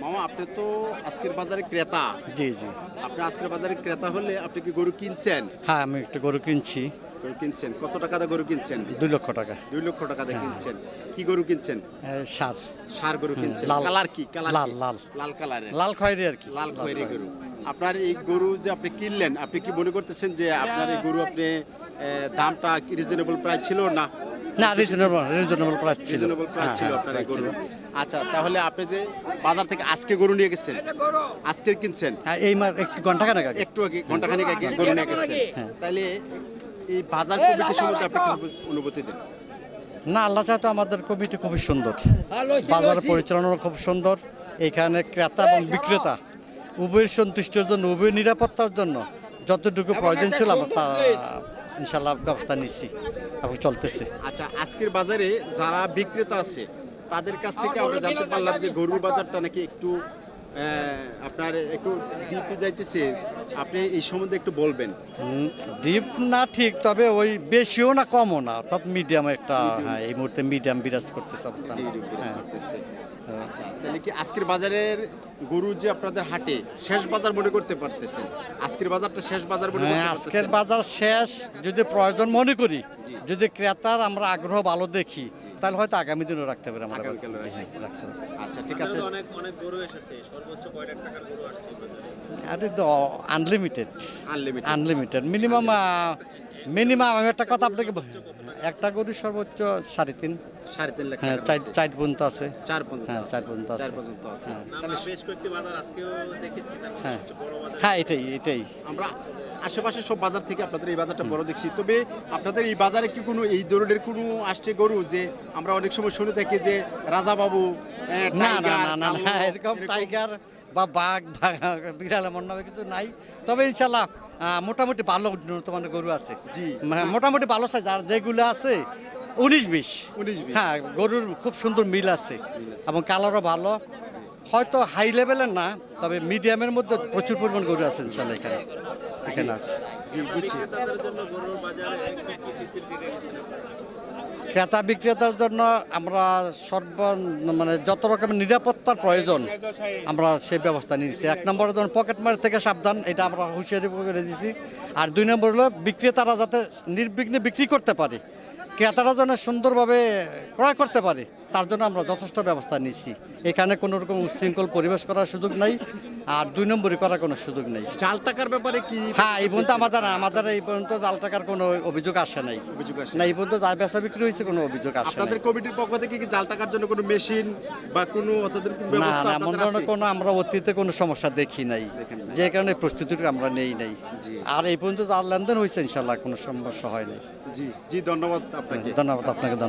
মামা আপনি তো আজকের বাজারে ক্রেতা। জি জি। আপনি আজকের বাজারে ক্রেতা হলে আপনি কি গরু কিনছেন? হ্যাঁ, আমি একটা গরু কিনছি। গরু কিনছেন কত টাকা দিয়ে গরু কিনছেন? 2 লক্ষ টাকা। 2 লক্ষ টাকা দিয়ে কিনছেন। কি গরু কিনছেন? সার। ষাঁড় গরু কিনছেন। লাল। কালার কি? কালার লাল, কি? লাল। লাল কালারের। লাল খয়েরি আর কি। লাল খয়েরি গরু। আপনার এই গরু যে আপনি কিনলেন, আপনি কি মনে করতেছেন যে আপনার এই গরু আপনি দামটা কি রিজনেবল প্রাইস ছিল না? না, রিজনেবল প্রাইস ছিল। রিজনেবল প্রাইস হ্যাঁ, ছিল হ্যাঁ, আপনার এই price গরু। ছিল। আচ্ছা, তাহলে আপনি যে বাজার থেকে আজকে গরু নিয়ে গেছেন, আজকের কিনছেন, হ্যাঁ, এই একটু ঘন্টাখানেক আগে। একটু আগে ঘন্টাখানেক আগে গরু নিয়ে গেছেন, তাহলে এই বাজার কমিটির সম্বন্ধে আপনি কিছু অনুভূতি দেন। না, আল্লাহ চাহতো আমাদের কমিটি খুবই সুন্দর, বাজার পরিচালনা খুব সুন্দর। এখানে ক্রেতা এবং বিক্রেতা উভয়ের সন্তুষ্টির জন্য, উভয়ের নিরাপত্তার জন্য যতটুকু প্রয়োজন ছিল আমরা তা ইনশাল্লাহ ব্যবস্থা নিচ্ছি এবং চলতেছে। আচ্ছা, আজকের বাজারে যারা বিক্রেতা আছে তাদের কাছ থেকে আমরা জানতে পারলাম যে গরুর বাজারটা নাকি একটু আপনার একটু ডিপে যাইতেছে। আপনি এই সম্বন্ধে একটু বলবেন। ডিপ না ঠিক, তবে ওই বেশিও না কমও না, অর্থাৎ মিডিয়াম একটা। হ্যাঁ, এই মুহূর্তে মিডিয়াম বিরাজ করতেছে অবস্থান। হ্যাঁ। আচ্ছা, তাহলে কি আজকের বাজারের গরু যে আপনাদের হাটে শেষ বাজার মনে করতে পারতেছেন? আজকের বাজারটা শেষ বাজার মনে করতে হ্যাঁ, পারতেছেন? আজকের বাজার শেষ যদি প্রয়োজন মনে করি, যদি ক্রেতার আমরা আগ্রহ ভালো দেখি, তাহলে হয়তো আগামী দিনও রাখতে পারি আমরা। আগামীকালও রাখতে পারি। আচ্ছা, ঠিক আছে। অনেক অনেক গরু এসেছে, সর্বোচ্চ কয় লাখ টাকার গরু আসছে এই বাজারে? আরে তো আনলিমিটেড। আনলিমিটেড। আনলিমিটেড মিনিমাম আমি একটা কথা আপনাকে একটা গরু সর্বোচ্চ 3.5। 3.5 লাখ হ্যাঁ, টাকার মধ্যে। 4 পর্যন্ত আছে। 4 পর্যন্ত হ্যাঁ, আছে। 4 পর্যন্ত আছে। 4 পর্যন্ত আছে। হ্যাঁ। আমরা বেশ কয়েকটি বাজার আজকেও দেখেছি, তার মধ্যে হ্যাঁ। সবচেয়ে বড় বাজার হ্যাঁ, এটাই। আমরা আশেপাশে সব বাজার থেকে আপনাদের এই বাজারটা বড় দেখছি। তবে আপনাদের এই বাজারে কি কোনো এই ধরনের কোনো আসছে গরু যে আমরা অনেক সময় শুনে থাকি যে রাজা বাবু, না না না না না, এরকম টাইগার বা বাঘ বিড়াল এমন নামে কিছু নাই। তবে ইনশাল্লাহ মোটামুটি ভালো উন্নত মানের গরু আছে। জি। মোটামুটি ভালো সাইজ, আর যেগুলো আছে 19-20। 19-20 হ্যাঁ, গরুর খুব সুন্দর মিল আছে এবং কালারও ভালো। হয়তো হাই লেভেলের না, তবে মিডিয়ামের মধ্যে প্রচুর পরিমাণ গরু আছে ইনশাল্লাহ এখানে আছে। জি, বুঝছি। ক্রেতাদের জন্য গরুর বাজারে কি কি ফেসিলিটি রেখেছেন আপনারা? ক্রেতা বিক্রেতার জন্য আমরা মানে যত রকমের নিরাপত্তার প্রয়োজন আমরা সেই ব্যবস্থা নিয়েছি। 1 নম্বরে যেমন পকেটমার থেকে সাবধান, এটা আমরা হুঁশিয়ারি করে দিয়েছি। আর 2 নম্বর হলো বিক্রেতারা যাতে নির্বিঘ্নে বিক্রি করতে পারে, ক্রেতারা যেন সুন্দরভাবে ক্রয় করতে পারে, তার জন্য আমরা যথেষ্ট ব্যবস্থা নিচ্ছি। এখানে কোনো রকম উচ্ছৃঙ্খল পরিবেশ করার সুযোগ নাই, আর 2 নম্বরই করার কোনো সুযোগ নেই। জাল টাকার ব্যাপারে কি? হ্যাঁ, এই পর্যন্ত আমাদের এই পর্যন্ত জাল টাকার কোনো অভিযোগ আসে নাই। অভিযোগ আসে না, এই পর্যন্ত যা বেচা বিক্রি হয়েছে কোনো অভিযোগ আসে আপনাদের নাই। কমিটির পক্ষ থেকে কি জাল টাকার জন্য কোনো মেশিন বা কোনো আপনাদের কোনো না ব্যবস্থা না, এমন আপনাদের ধরনের আছে? কোনো আমরা অতীতে কোনো সমস্যা দেখি নাই, দেখেন নাই। যে কারণে প্রস্তুতিটা আমরা নেই নাই। জি। আর এই পর্যন্ত যা লেনদেন হয়েছে ইনশাল্লাহ কোনো সমস্যা হয় নাই। জি জি, ধন্যবাদ আপনাকে। ধন্যবাদ আপনাকে।